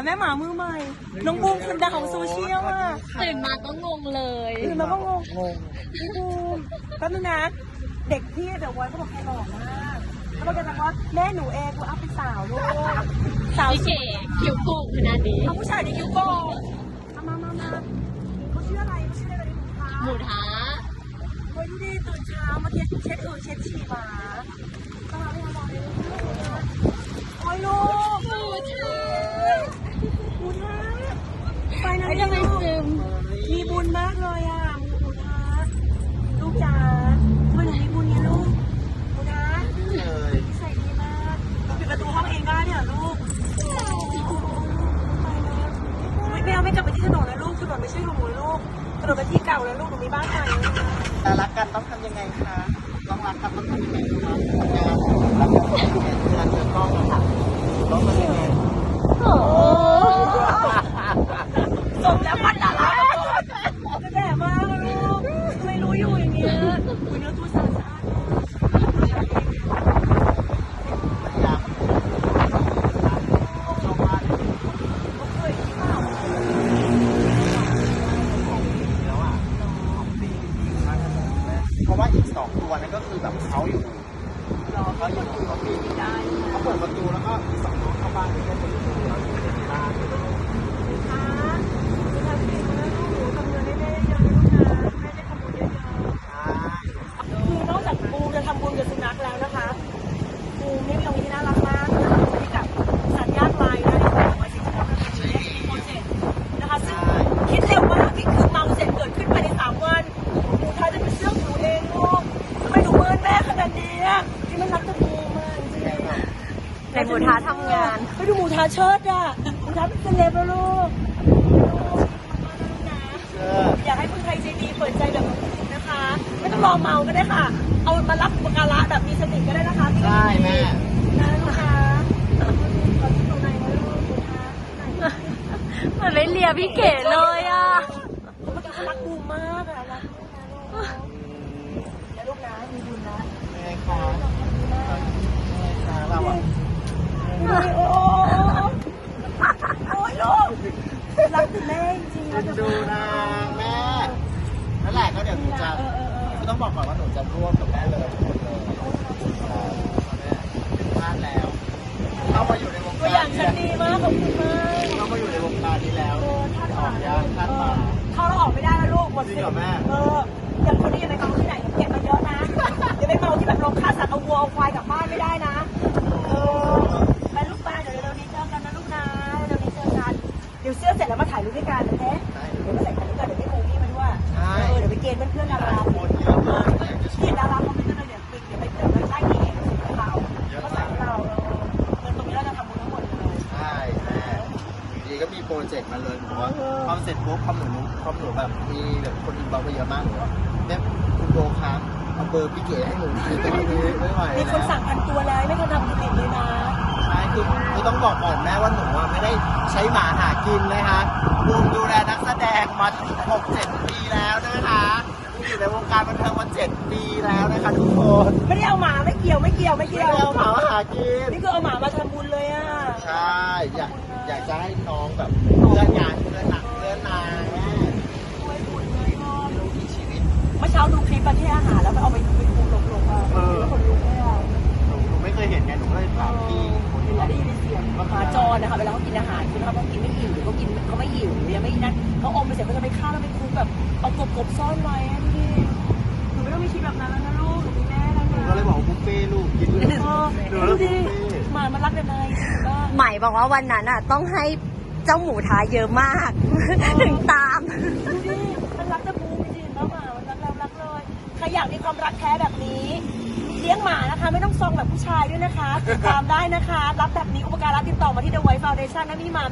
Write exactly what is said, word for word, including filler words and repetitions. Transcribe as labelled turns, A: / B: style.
A: แม่หมามือใหม่น้องบูมคนดังของโซเชียลอ่ะ
B: ตื่นมาก็งงเลย
A: ตื่นมาก็งง
C: งง
A: พี่บูมแป๊บนึงนะเด็กพี่เดี๋ยวไว้เขาบอกแกหล่อมากเขาบอกแกบอกว่าแม่หนูเองกูอัพเป็นสาวลูกสาว
B: พี่เก๋คิวกูขนาดนี้
A: เอาผู้ชายในคิวโก้เอามามามาเขาชื่ออะไรเขาชื่ออะไรกัน
B: หมูท้า
A: เฮ้ยดูดิตื่นเช้ามาเช็ดเช็ดเออเช็ดฉี่หมาตาไม่อร่อยเลยโอ้ยลูก
B: หมูท้า
A: หมูทะไปนะ
B: ไม่จะไปซึม
A: มีบุญมากเลยอ่ะหมูทะลูกจ๋าทำไมหนูมีบุญเนี่ยลูกหมูทะ
C: เลย
A: ใส่ดีมากเราปิดประตูห้องเองได้เนี่ยลูกไปแล้วไม่เอาไม่กลับไปที่ถนนแล้วลูกถนนไม่ใช่ของหนูลูกถนนเป็นที่เก่าแล้วลูกหนูมีบ้านใหม่
C: แต่รักกันต้องทำยังไงคะต้องรักกันต้องทำยังไงคะรักกันต้องทำยังไงเวลาเจอกล้องอะค่ะต้องทำยังไง
B: โอ้
A: สมแล้วพันดาราจะแดดมากลูกไม่รู้อยู่อย่างเงี้ยคุยเนื้อตัวสะอาด
C: อยากชอบมากแล้วอ่ะเพราะว่าอีกสองตัวนั้นก็คือแบบเขาอยู่รอเขาอยู่เขาปีนได้เขาเปิดประตูแล้วก็อีกสองตัวเข้าบ้านก็จะอยู่แล้วอยู่บ้าน
A: คือนอกจากปูจะทำบุญกับสุนัขแล้วนะคะปูนี่มีตรงนี้น่ารักมากที่กับสัตว์ยากไร้นะที่ทำไว้สิบครั้งโปรเจกต์นะคะซึ่งคิดเร็วมากที่คือเมาเสร็จเกิดขึ้นภายในสามวันปูท้ายจะเป็นเรื่องหนูเองลูกทำไมหนูเมินแม่ขนาดนี้ที่มันรักจะปูมากจริง
B: ในหมูท้าทำงาน
A: ไปดูหมูทาเชิดอ่ะหมูทาเป็นเซเลบแล้วลูกอยากให้คนไทยใจดีเปิดใจแบบนี้นะคะ ไม่ต้องรอเมาก็ได้ค่ะ เอามารับอุปการะแบบมีสติก็ได้นะคะ
C: ใช่แม่
A: นะคะขอที่ตรงไหนนะลูกหมูทา
B: มันไม่เลียพี่เก๋เลยอ่ะ
A: เมื่อกี้เขารักบูมมากอะรักลูกนะแล้วลูกนะมีบุญนะ
C: แม่ค่ะแม่ค่ะเราอ่ะ
A: โอ้ยโอ้โอ้ยลูกรักคุณแม่จริงๆ
C: ดูนะแม่นั่นแหละก็เดี๋ยวหนูจะก็ต้องบอกก่อนว่าหนูจะร่วมกับแม่เลยหมดเลยเป็นบ้านแล้วเข้ามาอยู่ในวง
A: ตัว
C: การ
A: อย่างฉันดีมากขอบคุณมาก
C: เข้ามาอยู่ในวงการนี้แล้วออกยากท่านมา
A: เข้าแล้วออกไม่ได้แล้วลูกหมด
C: จริ
A: สิ
C: งเหรอแม่
A: เอออย่างคนนี้อย่าไปเมาที่ไหนเก็บมาเยอะนะอย่าไปเมาที่แบบลงฆ่าสัตว์เอาวัวเอาควายกลับบ้านไม่ได้นะเออไปลูกไปเดี๋ยวเร็วๆนี้เจอกันนะลูกนะเร็วๆนี้เจอกันเดี๋ยวเสื้อเสร็จแล้วมาถ่ายรูปด้วยกันนะแท้เดี๋ยวมาใส่กันด้วยกันเดี๋ยวไปโมวี่มาด้วยเออเดี๋ยวไปเกณฑ์เพื่อนๆดารา
C: คนเยอะมากเลย
A: ที่ดาราคอมเมนต์กันเลยเดี๋ยวปิดเดี๋ยวไปเจอกันใต้ที่เอกของเราก็ใส่เราเงินตรงนี้เราจะทำบุญทั้งหมดเลย
C: ใช่แม่อยู่ดีก็มีโปรเจกต์มาเลยบอกว่าพอเสร็จปุ๊บพอหนูพอหนูแบบมีแบบคนอินบ็อกซ์ไปเยอะมากหนูว่าเนี่ยคุณโบครับเอาเบอร์พี่เก๋ให้หนูหน่อยตอนนี้ไม่ไหว
A: มีคนสั่งพันตัวแล้วไม่เคยทำกินติดเลยนะ
C: ใช่คือคือต้องบอกก่อนแม่ว่าหนูอะไม่ได้ใช้หมาหากินนะคะบูมดูแลนักแสดงมาหกเจ็ดปีแล้วนะคะบูมอยู่ในวงการบันเทิงมาเจ็ดปีแล้วนะคะทุกคน
A: ไม่ได้เอาหมาไม่เกี่ยวไม่เกี่ยวไม่
C: ไม่
A: เกี่ยว
C: ได้เอาหมามาหากิน
A: นี่คือเอาหมามาทำบุญเลยอ่ะ
C: ใช่อยากอยากจะให้น้องแบบเพื่อนงานเพื่อนหนักเพื่อนนายแม่
A: ช่วยบุญเลยพ่อ
C: ลูกมีชีวิต
A: เมื่อเช้าดูคลิปประเทศอาหารแล้วไปเอาไปไปคูลงลงอ่ะคนลุกเลยอ่ะ
C: หนูหนูไม่เคยเห็นไงหนูก็เลยถามพี่คนที่
A: แล้วได้ยินเสียงหมาจรนะคะเวลาเขากินอาหารคือเขาต้องกินไม่อิ่มหรือเขากินเขาไม่หิวหรือยังไม่นั่นเขาอมไปเสร็จก็จะไปฆ่าแล้วไปคุกแบบเอากบกบซ่อนไว้พี่หนูไม่ต้องมีชีวิตแบบนั้นแล้วนะลูกหนูมีแม่แล้ว
C: หนู
A: นะ
C: ก็เลยบอกว่าบุฟเฟ่ต์ลูกกินเลย
A: เออ
C: หนู
A: ดู
C: แล้วบุ
A: ดิ
C: ฟเฟ่ต์
A: หมามันรักกันไหมบ้า
B: ใหม่บอกว่าวันนั้นอ่ะต้องให้เจ้าหมูท้าเยอะมาก ถึงตาม
A: ดูดิมันรักแต่บูมจริงๆแล้วหมามันรักเรารักเลยใครอยากมีความรักแท้แบบนี้เลี้ยงหมานะคะไม่ต้องซองแบบผู้ชายด้วยนะคะติดตามได้นะคะรับแบบนี้อุปการะติดต่อมาที่ The White Foundation นะมีหมา